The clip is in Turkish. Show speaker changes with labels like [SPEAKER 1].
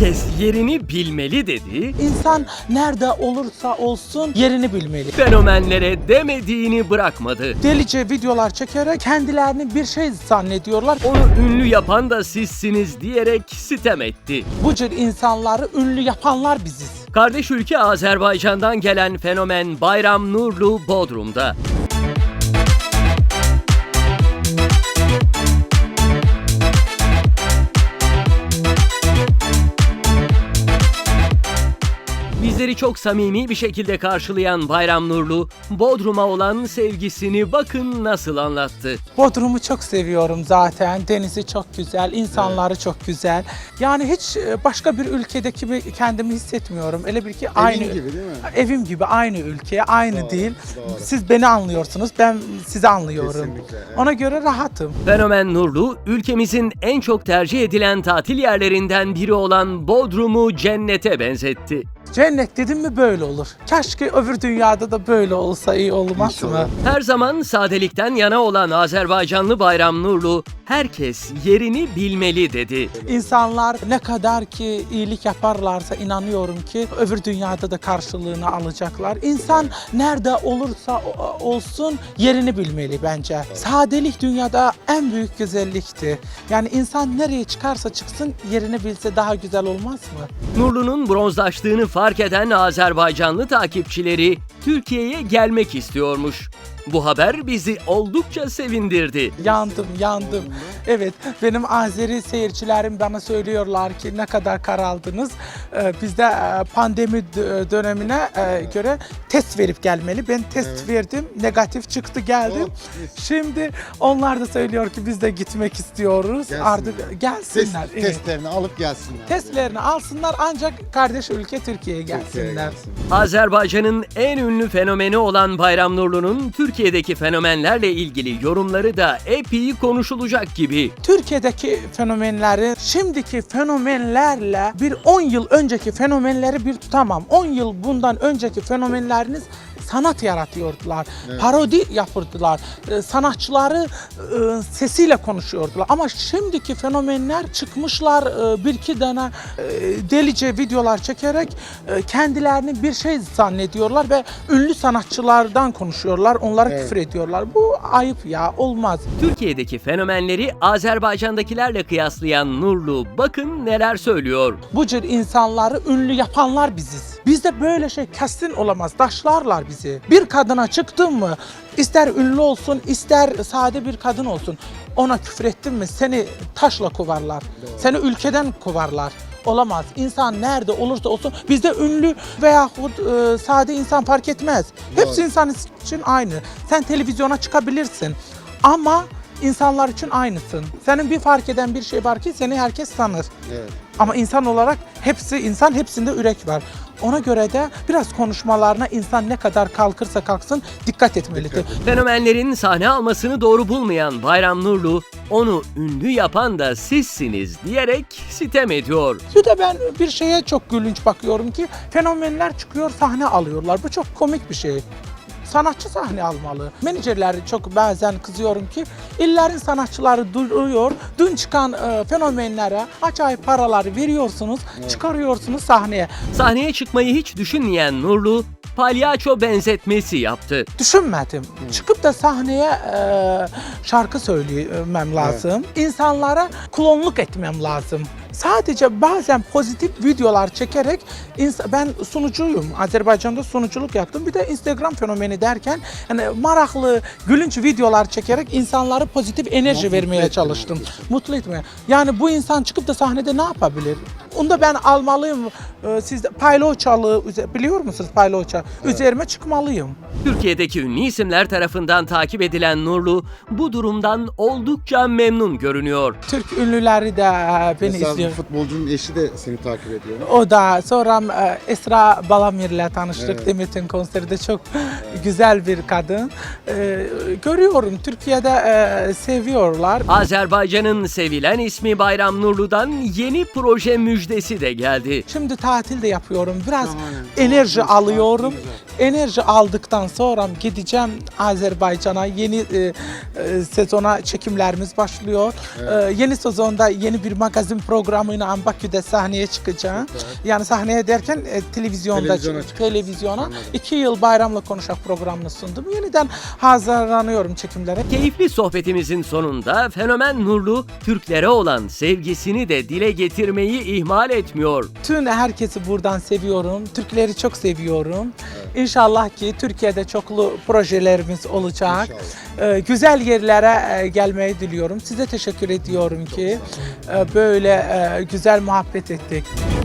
[SPEAKER 1] Herkes yerini bilmeli dedi.
[SPEAKER 2] İnsan nerede olursa olsun yerini bilmeli.
[SPEAKER 1] Fenomenlere demediğini bırakmadı.
[SPEAKER 2] Delice videolar çekerek kendilerini bir şey zannediyorlar.
[SPEAKER 1] Onu ünlü yapan da sizsiniz diyerek sitem etti.
[SPEAKER 2] Bu tür insanları ünlü yapanlar biziz.
[SPEAKER 1] Kardeş ülke Azerbaycan'dan gelen fenomen Bayram Nurlu Bodrum'da. Bizleri çok samimi bir şekilde karşılayan Bayram Nurlu, Bodrum'a olan sevgisini bakın nasıl anlattı.
[SPEAKER 2] Bodrum'u çok seviyorum zaten. Denizi çok güzel, insanları çok güzel. Yani hiç başka bir ülkedeki gibi kendimi hissetmiyorum. Öyle bir ki aynı
[SPEAKER 3] gibi değil mi?
[SPEAKER 2] Evim gibi aynı ülke, aynı
[SPEAKER 3] Doğru,
[SPEAKER 2] değil.
[SPEAKER 3] doğru.
[SPEAKER 2] Siz beni anlıyorsunuz, ben sizi anlıyorum.
[SPEAKER 3] Kesinlikle, evet.
[SPEAKER 2] Ona göre rahatım.
[SPEAKER 1] Fenomen Nurlu, ülkemizin en çok tercih edilen tatil yerlerinden biri olan Bodrum'u cennete benzetti.
[SPEAKER 2] Cennet dedim mi böyle olur. Keşke öbür dünyada da böyle olsa iyi olmaz
[SPEAKER 3] İnşallah.
[SPEAKER 2] mı?
[SPEAKER 1] Her zaman sadelikten yana olan Azerbaycanlı Bayram Nurlu, herkes yerini bilmeli dedi.
[SPEAKER 2] İnsanlar ne kadar ki iyilik yaparlarsa inanıyorum ki öbür dünyada da karşılığını alacaklar. İnsan nerede olursa olsun yerini bilmeli bence. Sadelik dünyada en büyük güzellikti. Yani insan nereye çıkarsa çıksın yerini bilse daha güzel olmaz mı?
[SPEAKER 1] Nurlu'nun bronzlaştığını fark eden Azerbaycanlı takipçileri Türkiye'ye gelmek istiyormuş. Bu haber bizi oldukça sevindirdi.
[SPEAKER 2] Yandım. Evet, benim Azeri seyircilerim bana söylüyorlar ki ne kadar karaldınız. Biz de pandemi dönemine göre test verip gelmeli. Ben test verdim, negatif çıktı geldim. Şimdi onlar da söylüyor ki biz de gitmek istiyoruz.
[SPEAKER 3] Gelsinler.
[SPEAKER 2] Artık gelsinler. Evet.
[SPEAKER 3] Testlerini alıp gelsinler.
[SPEAKER 2] Testlerini alsınlar ancak kardeş ülke Türkiye'ye gelsinler.
[SPEAKER 1] Azerbaycan'ın en ünlü fenomeni olan Bayram Nurlu'nun Türkiye'deki fenomenlerle ilgili yorumları da epey konuşulacak gibi.
[SPEAKER 2] Türkiye'deki fenomenleri şimdiki fenomenlerle bir 10 yıl önceki fenomenleri bir tutamam. 10 yıl bundan önceki fenomenleriniz sanat yaratıyordular.
[SPEAKER 3] Evet.
[SPEAKER 2] Parodi yapırdılar. Sanatçıları sesiyle konuşuyordular. Ama şimdiki fenomenler çıkmışlar bir iki tane delice videolar çekerek kendilerini bir şey zannediyorlar ve ünlü sanatçılardan konuşuyorlar. Onlara küfür ediyorlar. Bu ayıp ya. Olmaz.
[SPEAKER 1] Türkiye'deki fenomenleri Azerbaycan'dakilerle kıyaslayan Nurlu bakın neler söylüyor.
[SPEAKER 2] Bu tür insanları ünlü yapanlar biziz. Bizde böyle şey kesin olamaz. Taşlarlar bizi. Bir kadına çıktın mı, ister ünlü olsun, ister sade bir kadın olsun, ona küfür ettin mi seni taşla kovarlar. Seni ülkeden kovarlar. Olamaz. İnsan nerede olursa olsun bizde ünlü veyahut sade insan fark etmez. Hepsi insan için aynı. Sen televizyona çıkabilirsin ama insanlar için aynısın. Senin bir fark eden bir şey var ki seni herkes tanır.
[SPEAKER 3] Evet.
[SPEAKER 2] Ama insan olarak hepsi insan, hepsinde yürek var. Ona göre de biraz konuşmalarına insan ne kadar kalkırsa kalksın dikkat etmelidir.
[SPEAKER 1] Fenomenlerin sahne almasını doğru bulmayan Bayram Nurlu, onu ünlü yapan da sizsiniz diyerek sitem ediyor.
[SPEAKER 2] Bir de ben bir şeye çok gülünç bakıyorum ki fenomenler çıkıyor sahne alıyorlar. Bu çok komik bir şey. Sanatçı sahne almalı. Menajerler çok bazen kızıyorum ki illerin sanatçıları duruyor. Dün çıkan fenomenlere acayip paraları veriyorsunuz, çıkarıyorsunuz sahneye.
[SPEAKER 1] Sahneye çıkmayı hiç düşünmeyen Nurlu, palyaço benzetmesi yaptı.
[SPEAKER 2] Düşünmedim. Çıkıp da sahneye şarkı söylemem lazım. İnsanlara klonluk etmem lazım. Sadece bazen pozitif videolar çekerek ben sunucuyum. Azerbaycan'da sunuculuk yaptım. Bir de Instagram fenomeni derken yani maraklı, gülünç videolar çekerek insanlara pozitif enerji vermeye çalıştım. Mutlu etmeye. Yani bu insan çıkıp da sahnede ne yapabilir? Onu da ben almalıyım. Siz de payloçalı biliyor musunuz payloça? Evet. Üzerime çıkmalıyım.
[SPEAKER 1] Türkiye'deki ünlü isimler tarafından takip edilen Nurlu, bu durumdan oldukça memnun görünüyor.
[SPEAKER 2] Türk ünlüleri de beni
[SPEAKER 3] Mesela
[SPEAKER 2] izliyor.
[SPEAKER 3] futbolcunun eşi de seni takip ediyor.
[SPEAKER 2] O da sonra Esra Balamir'le tanıştık.
[SPEAKER 3] Evet.
[SPEAKER 2] Demet'in konserde çok güzel bir kadın. Görüyorum Türkiye'de seviyorlar.
[SPEAKER 1] Azerbaycan'ın sevilen ismi Bayram Nurlu'dan yeni proje müjdesi de geldi.
[SPEAKER 2] Şimdi tatil de yapıyorum. Biraz
[SPEAKER 3] Şahane.
[SPEAKER 2] enerji
[SPEAKER 3] Çok güzel,
[SPEAKER 2] alıyorum.
[SPEAKER 3] çok güzel.
[SPEAKER 2] Enerji aldıktan sonra gideceğim Azerbaycan'a. Yeni sezona çekimlerimiz başlıyor. Yeni sezonda yeni bir magazin programıyla Bakü'de sahneye çıkacağım. Yani sahneye derken televizyona. 2 yıl Bayramla Konuşak programını sundum. Yeniden hazırlanıyorum çekimlere.
[SPEAKER 1] Keyifli sohbetimizin sonunda fenomen Nurlu, Türklere olan sevgisini de dile getirmeyi ihmal etmiyor.
[SPEAKER 2] Tüm herkesi buradan seviyorum. Türkleri çok seviyorum. İnşallah ki Türkiye'de çoklu projelerimiz olacak. Güzel yerlere gelmeyi diliyorum. Size teşekkür ediyorum ki böyle güzel muhabbet ettik.